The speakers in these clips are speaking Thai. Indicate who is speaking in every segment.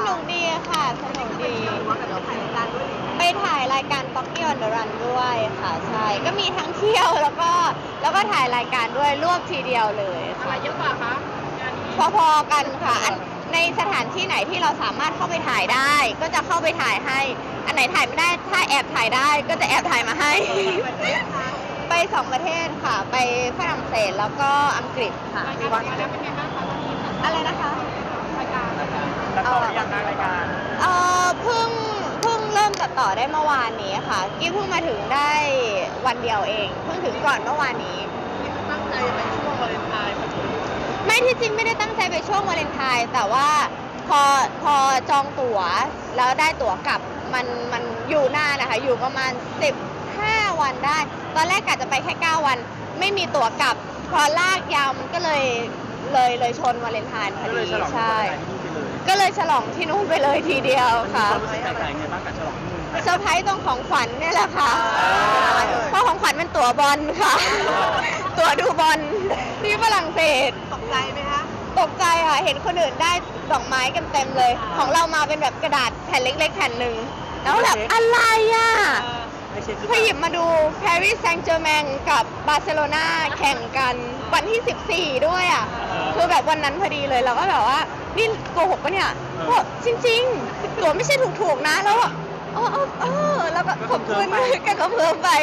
Speaker 1: นุกดีค่ะสนุกดีไปถ่ายรายการ Pocky on the Run ด้วยค่ะใช่ก็มีทั้งเที่ยวแล้วก็ถ่ายรายการด้วยรวบทีเดียวเลยอะไรเยอะกว่าคะพอๆกันค่ะในสถานที่ไหนที่เราสามารถเข้าไปถ่ายได้ ก็จะเข้าไปถ่ายให้อันไหนถ่ายไม่ได้ถ้าแอบถ่ายได้ก็จะแอบถ่ายมาให้ ไป2 ประเทศค่ะไปฝรั่งเศสแล้วก็อังกฤษค่ะอะไรนะคะ
Speaker 2: ตัดต่อยังรายการ
Speaker 1: เพิ่งเริ่มตัดต่อได้เมื่อวานนี้ค่ะกี้เพิ่งมาถึงได้วันเดียวเองเพิ่งถึงก่อนเมื่อวานนี้
Speaker 2: ตั้งใจไปช่วงวาเลนไทน์
Speaker 1: ไม่ที่จริงไม่ได้ตั้งใจไปช่วงวาเลนไทน์แต่ว่าพอจองตั๋วแล้วได้ตั๋วกลับมันอยู่นานนะคะอยู่ประมาณ15 วันได้ตอนแรกกะจะไปแค่9 วันไม่มีตั๋วกลับพอลากยาวมันก็เลยชนวาเลนไทน์พอดีใช่ก็เลยฉลองที่นู่นไปเลยทีเดียวค่ะ
Speaker 2: รู้สึกแปลกๆไงบ้างกับฉลองที่นู่น
Speaker 1: เซอร์ไพรส์ตรงของขวัญเนี่ยแหละค่ะเพราะของขวัญเป็นตั๋วบอลค่ะตั๋วดูบอลที่ฝรั่งเศส
Speaker 3: ตกใจไหมคะ
Speaker 1: ตกใจค่ะเห็นคนอื่นได้ดอกไม้กันเต็มเลยของเรามาเป็นแบบกระดาษแผ่นเล็กๆแผ่นหนึ่งแล้วแบบอะไรอ่ะพอหยิบมาดูปารีสแซงต์แชร์แมงกับบาร์เซโลนาแข่งกันวันที่14ด้วยอ่ะคือแบบวันนั้นพอดีเลยเราก็แบบว่านี่โกหกปะเนี่ยก็จริงๆตั๋วไม่ใช่ถูกๆนะแล้วแล้วก็ขอบคุณกันก็เพิ่มไป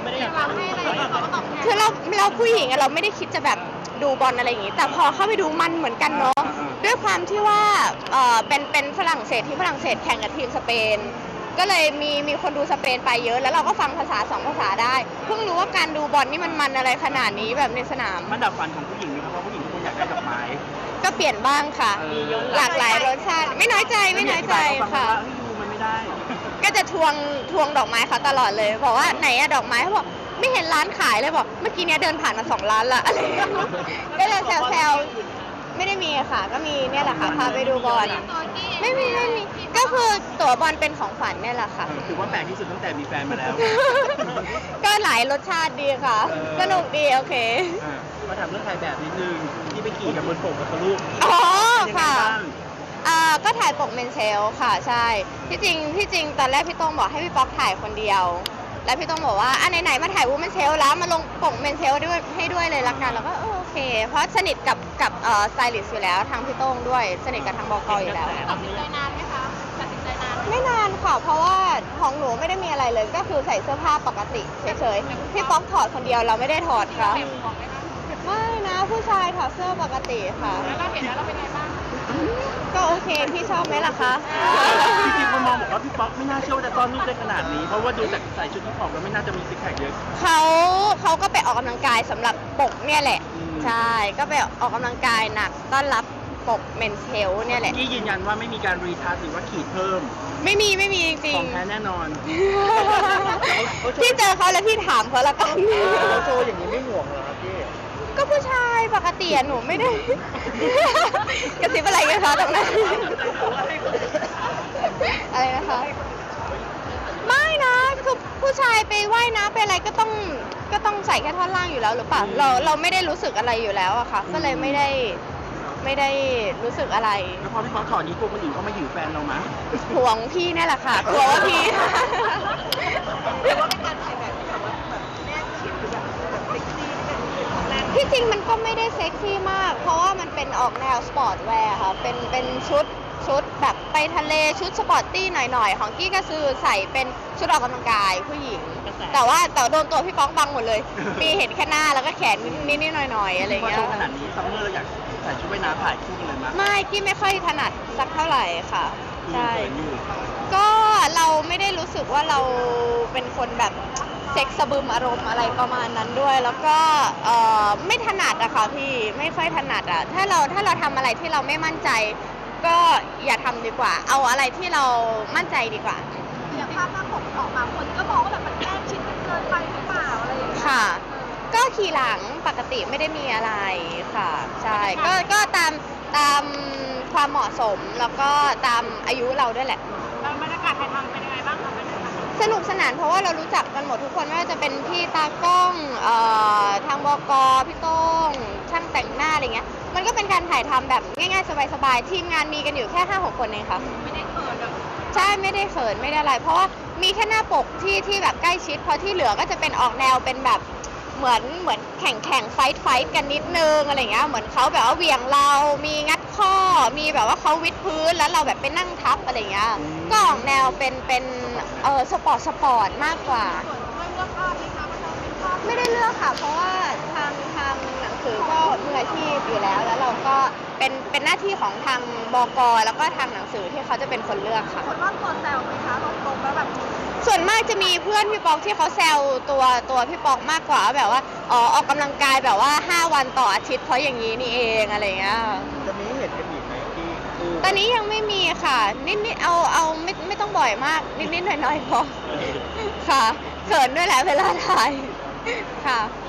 Speaker 1: คือเราผู้หญิงเราไม่ได้คิดจะแบบดูบอลอะไรอย่างงี้แต่พอเข้าไปดูมันเหมือนกันเนาะด้วยความที่ว่าเป็นฝรั่งเศสที่ฝรั่งเศสแข่งกับทีมสเปนก็เลยมีคนดูสเปนไปเยอะแล้วเราก็ฟังภาษา2 ภาษาได้เพิ่งรู้ว่าการดูบอลนี่มันอะไรขนาดนี้แบบในสนาม
Speaker 2: มันดับฝันของผู้หญิงไหมครับเพราะผู้หญิงทุกคนอยากได้ดอกไม้
Speaker 1: ก็เปลี่ยนบ้างค่ะหลากหลายรสชาติไม่น้อยใจค่ะ
Speaker 2: มันไม่ได้
Speaker 1: ก็จะทวงดอกไม้เขาตลอดเลยบอกว่าไหนอะดอกไม้เขาบอกไม่เห็นร้านขายเลยบอกเมื่อกี้เนี้ยเดินผ่านมา2 ร้านละอะไรก็เลยแซวไม่ได้มีค่ะก็มีเนี่ยแหละค่ะพาไปดูบอลไม่มีก็คือตั๋วบอลเป็นของขวัญเนี่ยแหละค่ะ
Speaker 2: ถือว่าแปลกที่สุดตั้งแต่มีแฟนมาแล้ว
Speaker 1: ก็หลายรสชาติดีค่ะสนุกดีโอเค
Speaker 2: มาถามเรื่องถ่ายแบบนิดนึงที่ไปขี่กับบนปกกับลูก
Speaker 1: อ๋อค่ะก็ถ่ายปกเมนเชลค่ะใช่ที่จริงตอนแรกพี่โต้งบอกให้พี่ป๊อกถ่ายคนเดียวแล้วพี่โต้งบอกว่าไหนๆมาถ่ายวูแมนเชลแล้วมาลงปกเมนเชลด้วยให้ด้วยเลยละกันแล้วก็โอเคเพราะสนิทกับสไตลิสต์อยู่แล้วทางพี่โต้งด้วยสนิทกับทางบก.อยู่แล้ว
Speaker 3: ตัดสินใจนานไหมคะตัดสินใจนาน
Speaker 1: ไม่นานค่ะเพราะว่าของหนูไม่ได้มีอะไรเลยก็คือใส่เสื้อผ้าปกติเฉยๆพี่ป๊อกถอดคนเดียวเราไม่ได้ถอดค่ะไม่นะผู้ชายถอดเสื้อปกติค่ะ
Speaker 3: แล้วเราเห็นแล้วเราเป็นไงบ้าง
Speaker 1: ก็โอเคพี่ชอบไหมล่ะคะ
Speaker 2: จริงๆคนมองบอกว่าพี่ป๊อกไม่น่าเชื่อว่าจะต้อนรูปได้ขนาดนี้เพราะว่าดูจากใส่ชุดที่ผอมแล้วไม่น่าจะมีซิกแพคเยอะ
Speaker 1: เขาก็ไปออกกำลังกายสำหรับปกเนี่ยแหละใช่ก็ไปออกกำลังกายหนักต้อนรับปกเมนเชลเนี่ยแหละ
Speaker 2: ที่ยืนยันว่าไม่มีการรีทัชหรือว่าขีดเพิ่ม
Speaker 1: ไม่มีจริง
Speaker 2: ของแท้แน่นอน
Speaker 1: พี่เจอเขาแล้วพี่ถามเขาละกัน
Speaker 2: เขาโชว์อย่างนี้ไม่ห่วงเหรอครับพี่
Speaker 1: ก็ผู้ชายปกติหนูไม่ได้กระซิบอะไรกันคะตรงนั้นอะไรนะคะไม่นะคือผู้ชายไปว่ายน้ำไปอะไรก็ต้องใส่แค่ท่อนล่างอยู่แล้วหรือเปล่าเราไม่ได้รู้สึกอะไรอยู่แล้วอะค่ะก็เลยไม่ได้รู้สึกอะไร
Speaker 2: แล้วพอพี่ป๊อกถอดนี้กลัวคนอื่นเขามาหิวแฟนเราไหม
Speaker 1: ห่วงพี่นี่แหละค่ะกลัวว่าพี่ที่จริงมันก็ไม่ได้เซ็กซี่มากเพราะว่ามันเป็นออกแนวสปอร์ตแวร์ค่ะเป็นชุดแบบไปทะเลชุดสปอร์ตตี้หน่อยๆของกี้ก็คือใส่เป็นชุดออกกำลังกายผู้หญิงแต่โดนตัวพี่ป๊อกบังหมดเลยมีเห็นแค่หน้าแล้วก็แขนนิดๆหน่อยๆอะไรเงี้ย
Speaker 2: ขนาดนี้ซัมเมอร์เราอยากใส่ชุดว่ายน้ำถ่ายคู่กันเลยมั้ย
Speaker 1: ไม่กี้ไม่ค่อยถนัดสักเท่าไหร่ค่ะใช่ก็เราไม่ได้รู้สึกว่าเราเป็นคนแบบเซ็กซ์สะบึมอารมณ์อะไรประมาณนั้นด้วยแล้วก็ไม่ถนัดอะค่ะพี่ไม่ค่อยถนัดอะถ้าเราทำอะไรที่เราไม่มั่นใจก็อย่าทำดีกว่าเอาอะไรที่เรามั่นใจดีกว่า
Speaker 3: อย่างภาพหน้าปกออกมาคนก็มองว่าแบบมันแอบชิดกันเกินไปหรือเปล่าอะไรอย่างเงี้ย
Speaker 1: ค่ะก็ขี่หลังปกติไม่ได้มีอะไรค่ะใช่ก็ตามความเหมาะสมแล้วก็ตามอายุเราด้วยแหละ
Speaker 3: แล้วบรรยากาศถ่ายทำเป็นยังไงบ้างคะ
Speaker 1: สนุกสนานเพราะว่าเรารู้จักกันหมดทุกคนไม่ว่าจะเป็นพี่ตากล้องทางบก.พี่โต้งช่างแต่งหน้าอะไรเงี้ยมันก็เป็นการถ่ายทำแบบง่ายๆสบายๆทีมงานมีกันอยู่แค่ 5-6 คนเองค่ะ
Speaker 3: ไม่ได้เขินแบบ
Speaker 1: ใช่ไม่ได้เขินไม่ได้อะไร เพราะว่ามีแค่หน้าปกที่แบบใกล้ชิดเพราะที่เหลือก็จะเป็นออกแนวเป็นแบบเหมือนแข่งไฟท์กันนิดนึงอะไรเงี้ยเหมือนเขาแบบว่าเหวี่ยงเรามีงัดข้อมีแบบว่าเขาวิดพื้นแล้วเราแบบไปนั่งทับอะไรเงี้ยก็ออกแนวเป็นสปอร์ตมากกว่า
Speaker 3: ส่วนด้วยเลือกภาพไหมคะว่าเราเป็นภาพ
Speaker 1: ไม่ได้เลือกค่ะ เพราะว่าทางหนังสือก็มืออาชีพอยู่แล้วเราก็เป็นหน้าที่ของทางบก.แล้วก็ทางหนังสือที่เขาจะเป็นคนเลือกค่ะ
Speaker 3: คนรอบตัวแซวไหมคะตรงๆแล้วแบบ
Speaker 1: ส่วนมากจะมีเพื่อนพี่ป๊อกที่เขาแซวตัวพี่ป๊อกมากกว่าแบบว่าอ๋อออกกำลังกายแบบว่า5 วันต่ออาทิตย์เพราะอย่างนี้นี่เองอะไรเงี้ย
Speaker 2: จะมีเห็นกันอีกไหมที่คู่
Speaker 1: ตอนนี้ยังไม่มีค่ะนิดเอาไม่ต้องบ่อยมากนิดหน่อยๆพอค่ะเขินด้วยแหละเวลาถ่ายค่ะ